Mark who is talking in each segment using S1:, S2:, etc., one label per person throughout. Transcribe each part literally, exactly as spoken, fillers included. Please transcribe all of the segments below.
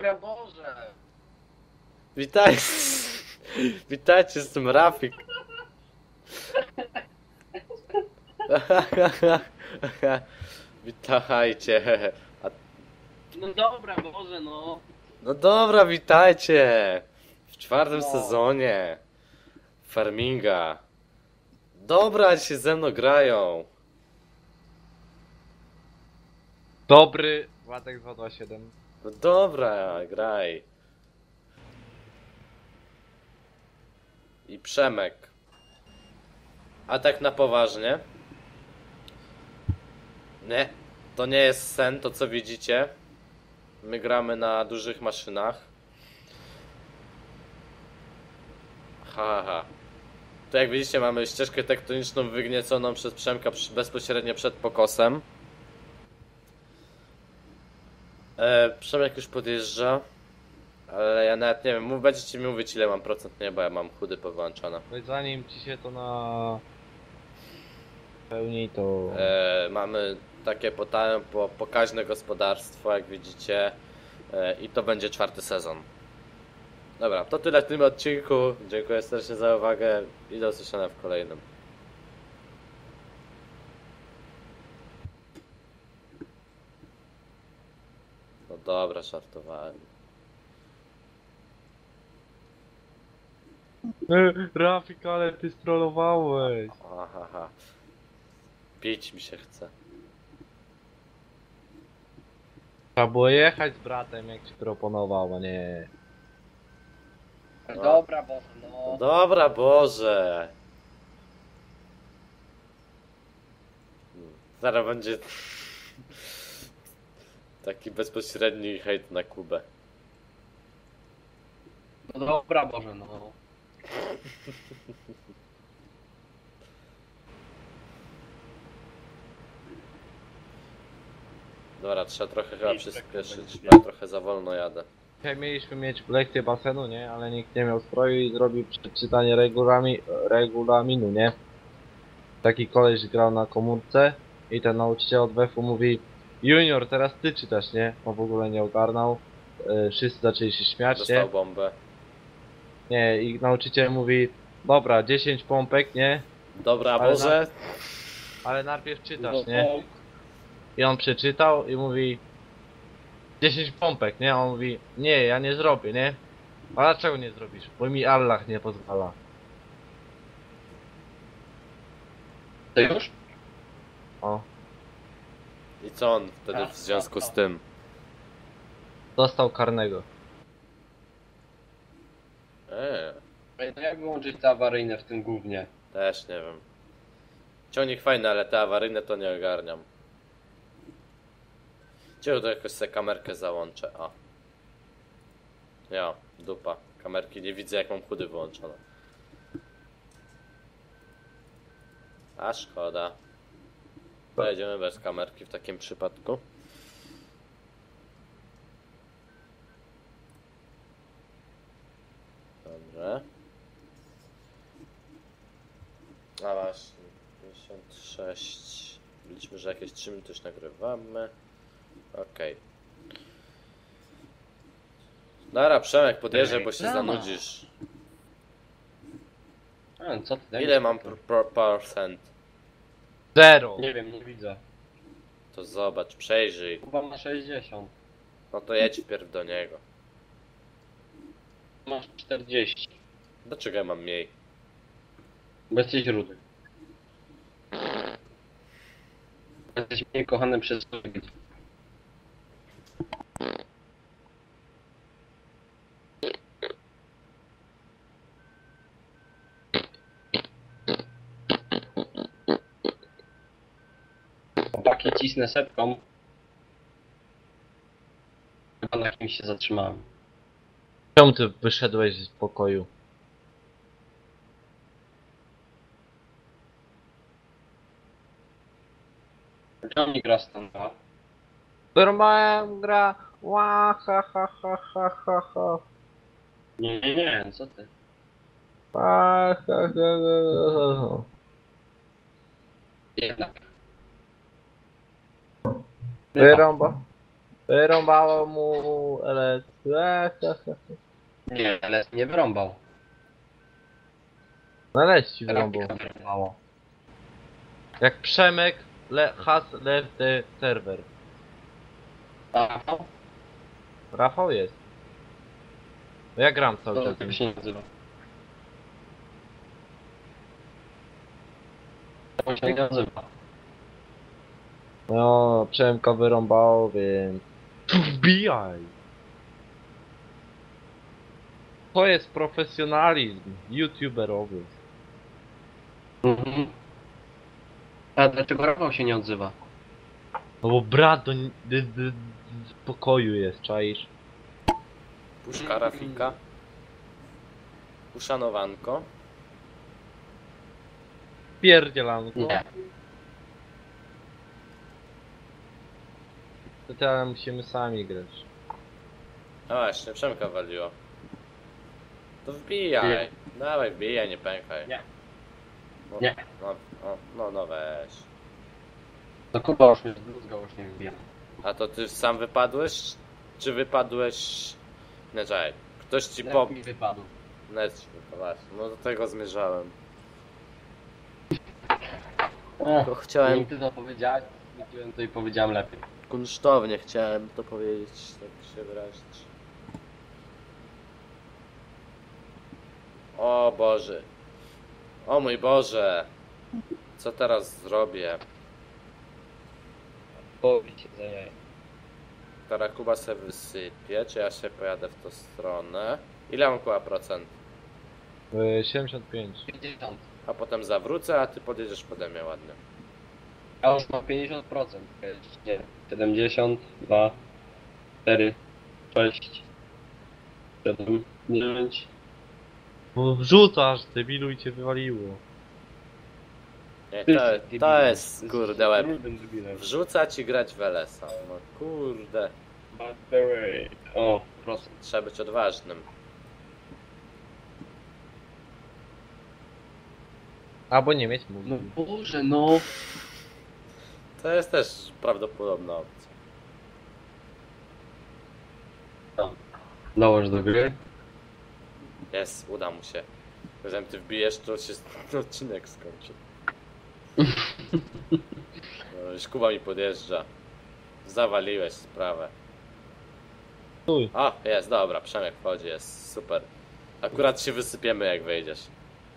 S1: dobra, Boże!
S2: Witaj. Witajcie z tym Rafik. Witajcie. A,
S1: No dobra, Boże, no.
S2: no dobra, witajcie. W czwartym
S1: No.
S2: sezonie Farminga. Dobra, się ze mną grają.
S3: Dobry, Władek dwa dwa siedem.
S2: No dobra, graj. I Przemek. A tak na poważnie? Nie, to nie jest sen, to co widzicie. My gramy na dużych maszynach. Ha, ha. Tu jak widzicie mamy ścieżkę tektoniczną wygnieconą przez Przemka przy- bezpośrednio przed pokosem. E, Przemek już podjeżdża. Ale ja nawet nie wiem, mów, będziecie mi mówić ile mam procent nieba, ja mam chudy powyłączone.
S3: No i zanim ci się to na pełni, to
S2: E, mamy takie pota- po, pokaźne gospodarstwo, jak widzicie. E, I to będzie czwarty sezon. Dobra, to tyle w tym odcinku. Dziękuję serdecznie za uwagę i do usłyszenia w kolejnym. No dobra, żartowałem.
S3: E, Rafik, ale ty strollowałeś.
S2: Aha, ha. Pić mi się chce.
S3: Trzeba było jechać z bratem, jak ci proponował, a nie.
S2: No.
S1: Dobra, Boże,
S2: No
S1: no.
S2: dobra, Boże. Zaraz będzie taki bezpośredni hejt na Kubę.
S1: No dobra, Boże, no.
S2: Dobra, trzeba trochę chyba przyspieszyć, bo ja trochę za wolno jadę.
S3: Dzisiaj mieliśmy mieć lekcję basenu, nie? Ale nikt nie miał stroju i zrobił przeczytanie regulami, regulaminu, nie? Taki koleś grał na komórce i ten nauczyciel od wefu mówi: Junior, teraz ty czytasz, nie? On w ogóle nie ogarnął. Yy, wszyscy zaczęli się śmiać, nie?
S2: Dostał bombę.
S3: Nie, i nauczyciel mówi: dobra, dziesięć pompek, nie?
S2: Dobra,
S3: Ale
S2: Boże.
S3: Ale najpierw
S1: No,
S3: czytasz, nie? I on przeczytał i mówi: dziesięć pompek, nie? A on mówi: nie, ja nie zrobię, nie? A dlaczego nie zrobisz? Bo mi Allah nie pozwala.
S1: To już?
S3: O,
S2: I co on wtedy w związku z tym?
S3: dostał karnego.
S2: Eee,
S1: Ej, to jak wyłączyć te awaryjne w tym gównie?
S2: też nie wiem. Ciągnik fajny, ale te awaryjne to nie ogarniam. Cię to jakoś sobie kamerkę załączę, a. Ja, dupa. Kamerki nie widzę jak mam chudy wyłączone. A szkoda. Pojedziemy bez kamerki w takim przypadku. Dobrze. A właśnie, pięćdziesiąt sześć. Liczmy, że jakieś trzy minuty już nagrywamy. Okej. Dobra, Przemek, podjeżdżaj, bo się
S1: Reklama.
S2: zanudzisz.
S1: A, co ty daj
S2: Ile
S1: mi
S2: mam
S1: spokój.
S2: pro- procent?
S3: Zero!
S1: Nie wiem, nie widzę.
S2: To zobacz, przejrzyj.
S1: Chyba ma sześćdziesiąt.
S2: No to jedź wpierw do niego.
S1: Masz czterdzieści.
S2: Dlaczego ja mam mniej?
S1: Bo jesteś rudy. Jesteś mniej kochany przez ludzi. Chłopaki, cisnę setką. Chyba na kimś się zatrzymałem.
S3: Czemu ty wyszedłeś z pokoju?
S1: Ciągnik gra stąd.
S3: Normalnie gra. Ła, ha, ha, ha, ha, ha, ha.
S1: Nie, nie, nie, co ty?
S3: Ha, ha, ha, ha, ha.
S1: Jednak.
S3: Wyrąba. Wyrąbało mu L S.
S1: Nie, ale nie wyrąbał.
S3: No L S ci wyrąbał.
S1: Grafika wyrąbało.
S3: Jak Przemek le has left the server.
S1: Rafał?
S3: Rafał jest. No ja gram cały
S1: To
S3: czas.
S1: tak się nie nazywa. To się nie nazywa.
S3: No, Przemka wyrąbało, więc... Wbijaj! To jest profesjonalizm youtuberowy.
S1: Mhm. A dlaczego Rafał się nie odzywa?
S3: No bo brat do, do, do, do pokoju jest, czaisz?
S2: Puszka Rafika. Uszanowanko.
S3: Pierdzielanko.
S1: Nie.
S3: To teraz musimy sami grać.
S2: No właśnie, Przemka waliło. To wbijaj.
S1: Nie.
S2: Dawaj, wbijaj, nie pękaj.
S1: Nie.
S2: No,
S1: Nie.
S2: No, no, no, no weź.
S1: To Kuba już mnie zbluzgał, już nie wbija.
S2: A to ty sam wypadłeś? Czy wypadłeś... Nie, czekaj. Ktoś ci
S1: Jak
S2: po...
S1: mi wypadł.
S2: Net ci wypadł. No do tego zmierzałem.
S1: Ech,
S2: To chciałem...
S1: Nie ty to powiedziałeś, mówiłem to i powiedziałem lepiej.
S2: Kunsztownie chciałem to powiedzieć, tak się wyrazić. O Boże. O mój Boże. Co teraz zrobię?
S1: Powiedz się za jaj.
S2: Teraz Kuba se wysypie, czy ja się pojadę w tą stronę? Ile mam Kuba procent?
S3: Y, siedemdziesiąt pięć.
S1: pięćdziesiąt.
S2: A potem zawrócę, a ty podjedziesz pode mnie ładnie.
S1: Ja już mam pięćdziesiąt procent. Nie. siedemdziesiąt, dwa, cztery, sześć, siedem, dziewięć.
S3: Bo wrzucasz, debilu i cię wywaliło.
S2: Nie,
S1: Ty
S2: to,
S1: jesteś
S2: to
S1: debilem.
S2: jest
S1: Ty
S2: kurde
S1: jesteś
S2: łeb.
S1: brudnym debilem.
S2: Wrzucać i grać w L S a. No kurde.
S1: By the way. O, procent.
S2: Trzeba być odważnym.
S3: Albo nie mieć
S1: No
S3: mózgu.
S1: Boże, no.
S2: To jest też prawdopodobna opcja.
S1: Dołącz do gry.
S2: Jest, uda mu się. Jeżeli ty wbijesz, to się odcinek skończy. No, już Kuba mi podjeżdża. Zawaliłeś sprawę.
S3: Stój.
S2: O, jest, dobra, Przemek wchodzi, jest super. Akurat się wysypiemy jak wejdziesz.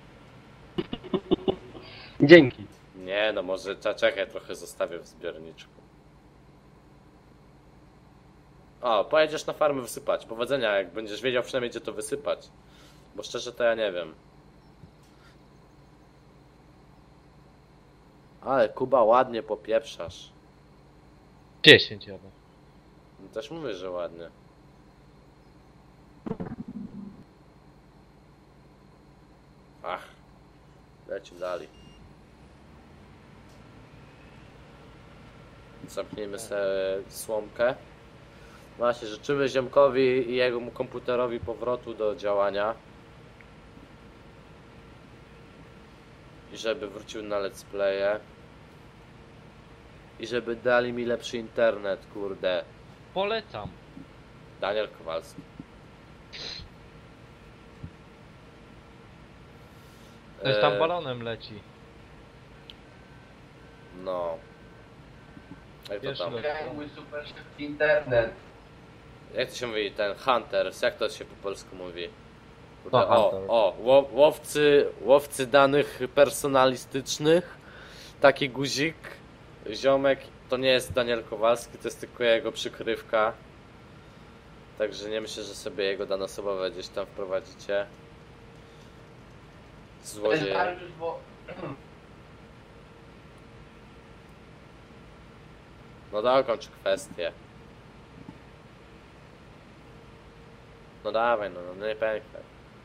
S1: Dzięki.
S2: Nie no, może cza- czekaj, trochę zostawię w zbiorniczku. O, pojedziesz na farmę wysypać. Powodzenia, jak będziesz wiedział przynajmniej gdzie to wysypać. Bo szczerze to ja nie wiem. Ale Kuba, ładnie popieprzasz.
S3: dziesięć jadę.
S2: No też mówię, że ładnie. Ach. Lecimy dalej. Zamknijmy sobie słomkę. Właśnie, życzymy ziomkowi i jego komputerowi powrotu do działania. I żeby wrócił na let's playe. I żeby dali mi lepszy internet, kurde.
S3: Polecam.
S2: Daniel Kowalski.
S3: Ktoś tam
S2: Eee,
S3: balonem leci.
S2: No. Jak to
S3: Wiesz,
S2: tam?
S3: no.
S1: Mój super szybki internet.
S2: Jak to się mówi, ten Hunters, jak to się po polsku mówi? Kurde,
S3: No,
S2: o,
S3: Hunter.
S2: o, ło- łowcy, łowcy danych personalistycznych, taki guzik, ziomek, to nie jest Daniel Kowalski, to jest tylko jego przykrywka. Także nie myślę, że sobie jego dane osobowe gdzieś tam wprowadzicie. Złodziej. No dokończ kwestię. No dawaj, no, no nie pękaj.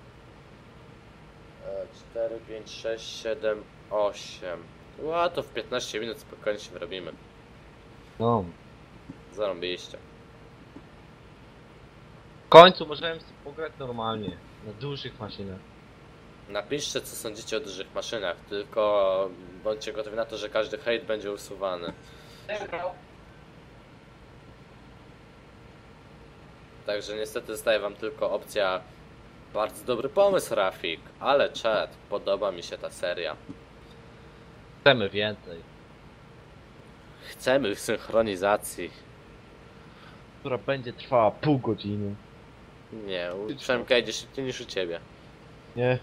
S2: cztery, pięć, sześć, siedem, osiem. Ła, to w piętnaście minut spokojnie się wyrobimy.
S3: No.
S2: Zarąbiście.
S3: W końcu możemy sobie pograć normalnie. Na dużych maszynach.
S2: Napiszcie co sądzicie o dużych maszynach, tylko bądźcie gotowi na to, że każdy hejt będzie usuwany. Także niestety zostaje wam tylko opcja bardzo dobry pomysł, Rafik, ale czad, podoba mi się ta seria.
S3: Chcemy więcej.
S2: Chcemy synchronizacji.
S3: Która będzie trwała pół godziny.
S2: Nie, u Przemka idzie szybciej niż u ciebie.
S3: Nie?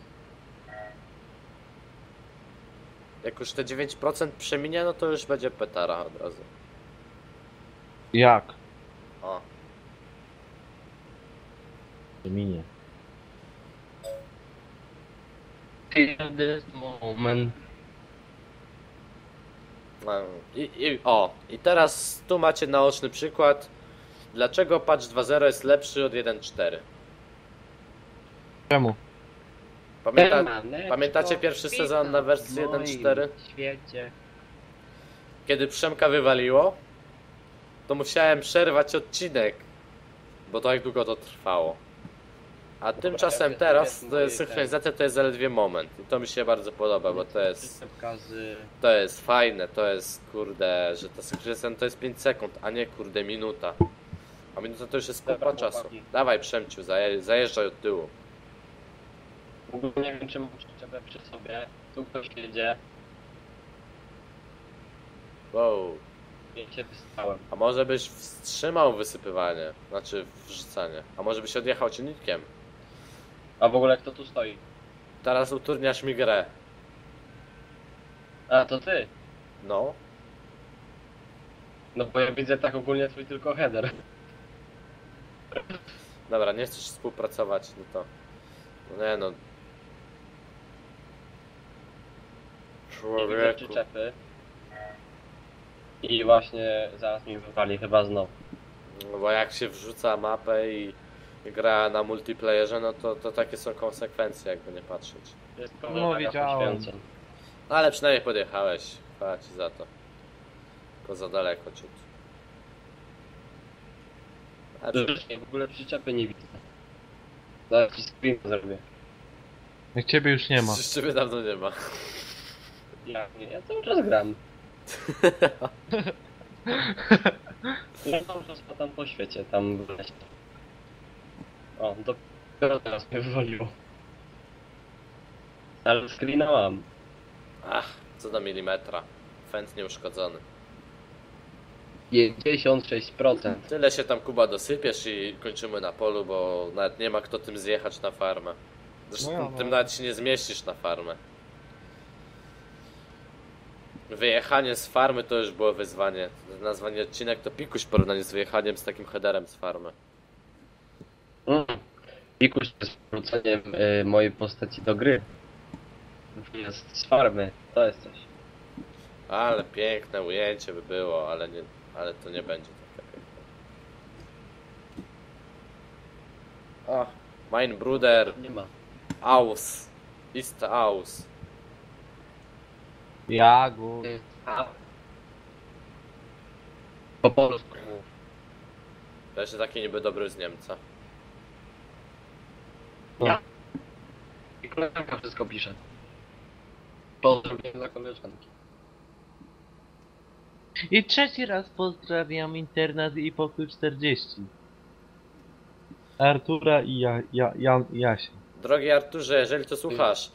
S2: Jak już te dziewięć procent przeminie, no to już będzie petara od razu.
S3: Jak?
S2: O,
S3: Minie.
S1: Feel this moment.
S2: no i, i o, i teraz tu macie naoczny przykład, dlaczego patch dwa zero jest lepszy od jeden cztery.
S3: Czemu?
S2: Pamięta,
S1: Permaneczko,
S2: pamiętacie pierwszy sezon na wersji
S1: w moim
S2: jeden cztery?
S1: świecie.
S2: Kiedy Przemka wywaliło, to musiałem przerwać odcinek, bo tak długo to trwało. A tymczasem
S1: ja
S2: teraz
S1: wiem,
S2: to jest
S1: moje
S2: synchronizacja, to jest zaledwie moment. I to mi się bardzo podoba, bo to jest,
S1: Przyczepka z...
S2: to jest fajne, to jest kurde, że ta synchronizacja to jest pięć sekund, a nie kurde minuta. A minuta to już jest kupa
S1: Dobra,
S2: czasu.
S1: chłopaki.
S2: Dawaj Przemciu, zaje, zajeżdżaj od tyłu.
S1: W ogóle nie wiem, czy mam przyczepę przy sobie. Tu ktoś jedzie.
S2: Wow.
S1: Ja się wystałem.
S2: A może byś wstrzymał wysypywanie, znaczy wrzucanie. A może byś odjechał ciągnikiem.
S1: A w ogóle kto tu stoi?
S2: Teraz utrudniasz mi grę.
S1: A, to ty.
S2: No.
S1: No bo ja widzę tak ogólnie twój tylko header.
S2: Dobra, nie chcesz współpracować, no to... No nie no.
S1: Nie widzę
S2: Człowieku.
S1: przyczepy. I właśnie zaraz mi wywali chyba znowu.
S2: No bo jak się wrzuca mapę i, i gra na multiplayerze, no to, to takie są konsekwencje, jakby nie patrzeć.
S1: Jest
S3: No, wiedziałem.
S1: poświęceń.
S2: No ale przynajmniej podjechałeś. Chwała ci za to. Tylko za daleko ciut. Ale przy...
S1: Rzeczywiście, w ogóle przyczepy nie widzę. Zaraz ci screen zrobię.
S3: Jak ciebie już nie ma.
S2: Przecież ciebie dawno nie ma.
S1: Ja nie, ja cały czas gram. Ja cały czas tam po świecie, tam w lesie. O, dopiero teraz mnie wywaliło. Ale screena mam.
S2: Ach, co do milimetra. Fent nieuszkodzony.
S1: pięćdziesiąt sześć procent.
S2: Tyle się tam Kuba dosypiesz i kończymy na polu, bo nawet nie ma kto tym zjechać na farmę. Zresztą
S3: No ja, no.
S2: tym nawet się nie zmieścisz na farmę. Wyjechanie z farmy to już było wyzwanie. Nazwanie odcinek to pikuś w porównaniu z wyjechaniem z takim headerem z farmy.
S1: Mm. Pikuś z wróceniem y, mojej postaci do gry. Jest z farmy, to jest coś.
S2: Ale piękne ujęcie by było, ale nie, ale to nie będzie takie piękne. O, mein Bruder,
S1: Nie ma.
S2: aus, ist aus.
S3: Jagu.
S1: A. Po polsku mów.
S2: To jeszcze taki niby dobry z Niemca.
S1: Ja. I koleżanka wszystko pisze. Pozdrowienia dla koleżanki.
S3: I trzeci raz pozdrawiam internat i pokój czterdzieści. Artura i ja, ja, ja, Jasia.
S2: Drogi Arturze, jeżeli to słuchasz,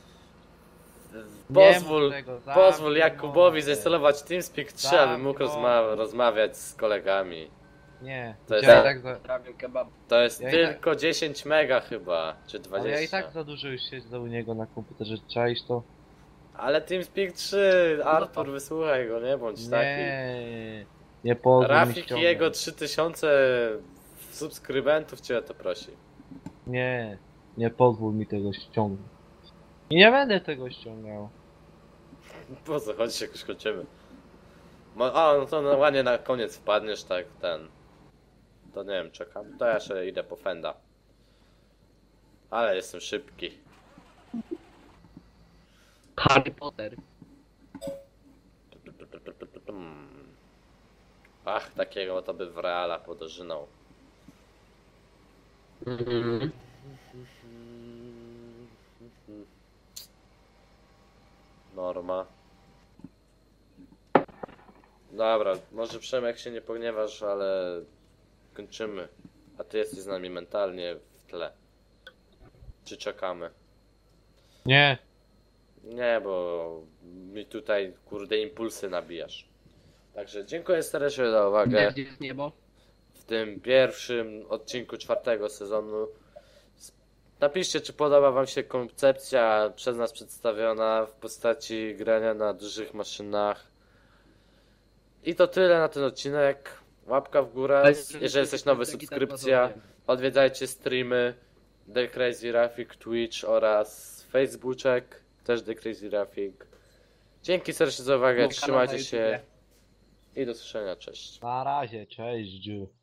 S3: Nie
S2: pozwól,
S3: mów tego,
S2: pozwól
S3: zamknij
S2: Jakubowi
S3: mordę.
S2: zainstalować TeamSpeak trzy, aby mógł
S3: Zamknij
S2: rozma
S3: mordę.
S2: rozmawiać z kolegami.
S3: Nie,
S2: To jest-
S3: ja i tak za,
S1: Pozdrawiam kebab.
S2: To jest
S3: Ja i
S2: tylko dziesięć mega chyba, czy
S3: ale
S2: dwadzieścia.
S3: ja i tak za dużo już siedzę u niego na komputerze, czaisz to?
S2: Ale TeamSpeak trzy, Artur, wysłuchaj go, nie bądź taki.
S3: Nie, nie pozwól mi
S2: Rafik i
S3: ściągnąć.
S2: jego trzy tysiące subskrybentów cię o to prosi.
S3: Nie, nie pozwól mi tego ściągnąć. I nie będę tego ściągał.
S2: Po co chodzi, jak już kończymy? Mo- A, no to no, ładnie na koniec wpadniesz, tak, ten. To nie wiem, czekam. To ja jeszcze idę po Fenda. Ale jestem szybki.
S1: Harry Potter.
S2: Ach, takiego to by w Reala podożynął.
S1: Mhm.
S2: Norma. Dobra, może Przemek się nie pogniewasz, ale kończymy. A ty jesteś z nami mentalnie w tle. Czy czekamy?
S3: Nie,
S2: Nie, bo mi tutaj kurde impulsy nabijasz. Także dziękuję serdecznie za uwagę
S1: Gdzie jest niebo?
S2: w tym pierwszym odcinku czwartego sezonu. Napiszcie, czy podoba wam się koncepcja przez nas przedstawiona w postaci grania na dużych maszynach. I to tyle na ten odcinek. Łapka w górę. Jeżeli jesteś nowy, subskrypcja. Odwiedzajcie streamy The Crazy Rafik, Twitch oraz Facebooczek. Też The Crazy Rafik. Dzięki serdecznie za uwagę. Trzymajcie się. I do słyszenia. Cześć.
S3: na razie, cześć.